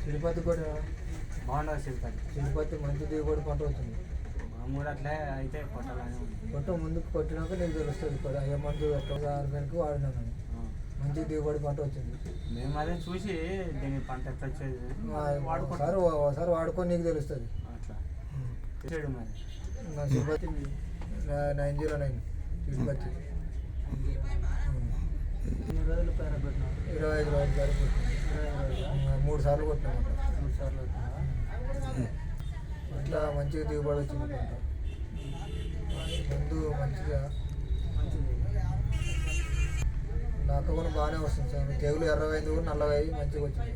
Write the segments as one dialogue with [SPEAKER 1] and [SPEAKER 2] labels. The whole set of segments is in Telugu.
[SPEAKER 1] తిరుపతి కూడా
[SPEAKER 2] బాగుండదు తిరుపతి.
[SPEAKER 1] తిరుపతి మంచి దిగుబడి పంట అవుతుంది.
[SPEAKER 2] మామూలు అట్లే అయితే కొట్టాలని ఉంది.
[SPEAKER 1] కొట్ట ముందుకు కొట్టినాక నీకు తెలుస్తుంది కూడా ఏ మందు ఎట్లా ఆర్గానిక్ వాడినాను మంచి దిగుబడి పంట వచ్చింది.
[SPEAKER 2] మేము అదే చూసి దీని పంట ఎట్లా వచ్చేది
[SPEAKER 1] ఒకసారి వాడుకొని నీకు తెలుస్తుంది.
[SPEAKER 2] అట్లా చేయడం మరి
[SPEAKER 1] నా తిరుపతి 909 తిరుపతి
[SPEAKER 2] 25 రోజులు పేర పెట్టినా
[SPEAKER 1] 25 రోజులు పేర పెట్టినా 3 సార్లు కొట్టినాము.
[SPEAKER 2] 3 సార్లు
[SPEAKER 1] ఇట్లా మంచిగా దిగుబడి వచ్చింది పంట. మందు మంచిగా నాకు కూడా బాగానే వస్తుంది సార్. తెగులు ఎర్రవైంది కూడా నల్లవై మంచిగా వచ్చింది.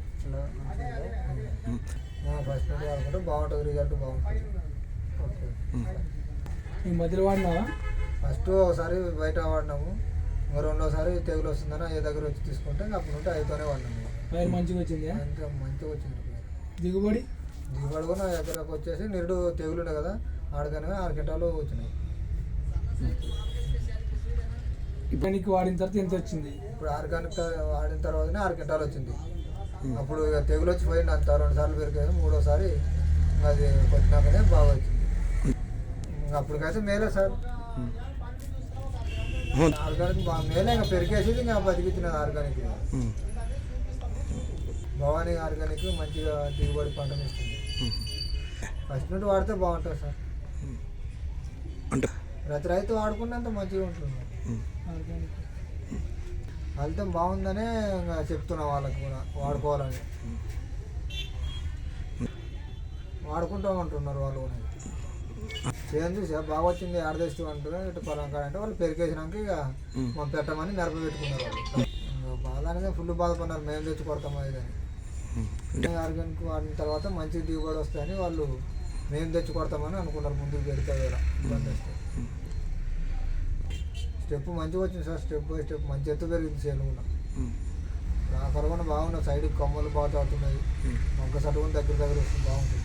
[SPEAKER 1] ఫస్ట్ నుండి వాడుకుంటే బాగుంటుంది, రిజల్ట్ బాగుంటుంది. ఓకే
[SPEAKER 3] ఈ మధ్యలో వాడినావా?
[SPEAKER 1] ఫస్ట్ ఒకసారి బయట వాడినాము, ఇంకా రెండోసారి తెగులు వస్తుందని ఏ దగ్గర వచ్చి తీసుకుంటే అప్పుడు నుండి అయితేనే వాడినాము.
[SPEAKER 3] పైరు మంచిగా వచ్చింది,
[SPEAKER 1] ఇంకా మంచిగా వచ్చింది.
[SPEAKER 3] దిగుబడి
[SPEAKER 1] కూడా నా ఎకరాకు వచ్చేసి నిరుడు తెగులు ఉండే కదా ఆడగానే 6 క్వింటాలు వచ్చినాయి.
[SPEAKER 3] ఇప్పటికి వాడిన తర్వాత ఎంత వచ్చింది?
[SPEAKER 1] ఇప్పుడు ఆర్గానిక్ వాడిన తర్వాతనే 6 క్వింటాలు వచ్చింది. అప్పుడు తెగులు వచ్చి పోయింది అంత 2 సార్లు పెరిగాను. 3వసారి అది కొట్టినాకనే బాగా వచ్చింది. అప్పటికైతే మేలే సార్, ఆర్గానిక్ బాగా మేలే. ఇంకా పెరిగేసి ఇంకా బతికిచ్చినది ఆర్గానిక్. భవానీ ఆర్గానిక్ మంచిగా దిగుబడి పంటను ఇస్తుంది. ఫస్ట్ నుండి వాడితే బాగుంటుంది సార్. ప్రతి రైతు వాడుకున్నంత మంచిగా ఉంటుంది. ఫలితం బాగుందనే ఇంకా చెప్తున్నా వాళ్ళకి కూడా వాడుకోవాలని. వాడుకుంటూ ఉంటున్నారు వాళ్ళు కూడా. చేంజ్ బాగా వచ్చింది ఆడదేస్తూ అంటున్నారు. ఇటు పొలం అంటే వాళ్ళు పెరిగేసినాక ఇక మాకు పెట్టమని మిరప పెట్టుకున్నారు వాళ్ళు. బాధ అనేది ఫుల్ బాధపడినారు, మేము తెచ్చి కొడతాం అది అని. ఆర్గానిక్ వాడిన తర్వాత మంచి దిగుబడి వస్తాయని వాళ్ళు మేము తెచ్చి కొడతామని అనుకున్నారు. ముందుకు పెడితే వేళ ఇబ్బంది వస్తే స్టెప్ మంచిగా వచ్చింది సార్. స్టెప్ బై స్టెప్ మంచి ఎత్తు పెరిగింది చేను కూడా. ఆఖరు కూడా బాగున్నాయి. సైడ్కి కొమ్మలు బాగా తాగుతున్నాయి. మొగ్గ సట్టు కూడా దగ్గర వస్తుంది, బాగుంటుంది.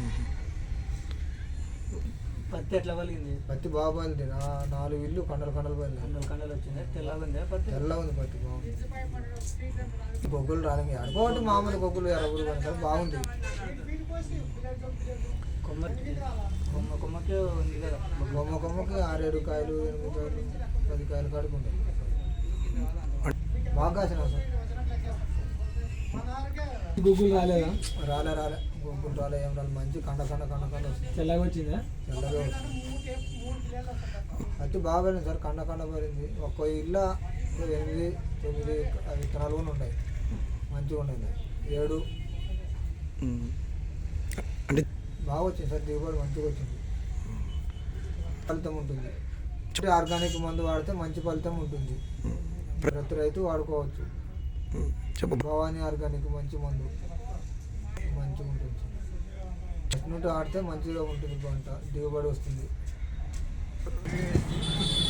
[SPEAKER 2] పత్తి ఎట్లా పలిగింది?
[SPEAKER 1] పత్తి బాగా పలింది. 4 ఇల్లు కండలు పలింది.
[SPEAKER 2] కండలు వచ్చింది. తెల్లగా ఉంది పత్తి,
[SPEAKER 1] తెల్లగా ఉంది పత్తి, బాగుంది. గొగ్గులు రాలింది అనుకోవద్దు, మామూలు గొగ్గులు ఎర్రగురు కానీ బాగుంది.
[SPEAKER 2] కొమ్మకి ఉంది కదా,
[SPEAKER 1] కొమ్మకి 6-7 కాయలు 8 కాయలు 10 కాయలు కాడుకుంది. బాగా కాసినా సార్.
[SPEAKER 3] గుగ్గులు రాలేదా?
[SPEAKER 1] రాలే గుగ్గులు రాలే, ఏం రాలేదు. మంచి కండ వస్తుంది.
[SPEAKER 3] తెల్లగా వచ్చిందా?
[SPEAKER 1] తెల్లగా వస్తుంది. పత్తి బాగా పడింది సార్. కండ పడింది. ఒక్క ఇల్లు 8-9 విత్తనాలు కూడా ఉన్నాయి. మంచిగా ఉన్నాయి. 7 అంటే బాగా వచ్చింది సార్. దిగుబడి మంచిగా వచ్చింది. ఫలితం ఉంటుంది. ఆర్గానిక్ మందు వాడితే మంచి ఫలితం ఉంటుంది. ప్రతి రైతు వాడుకోవచ్చు. భవానీ ఆర్గానిక్ మంచి మందు, మంచిగా ఉంటుంది. ఫస్ట్ నుండి ఆడితే మంచిగా ఉంటుంది పంట, దిగుబడి వస్తుంది.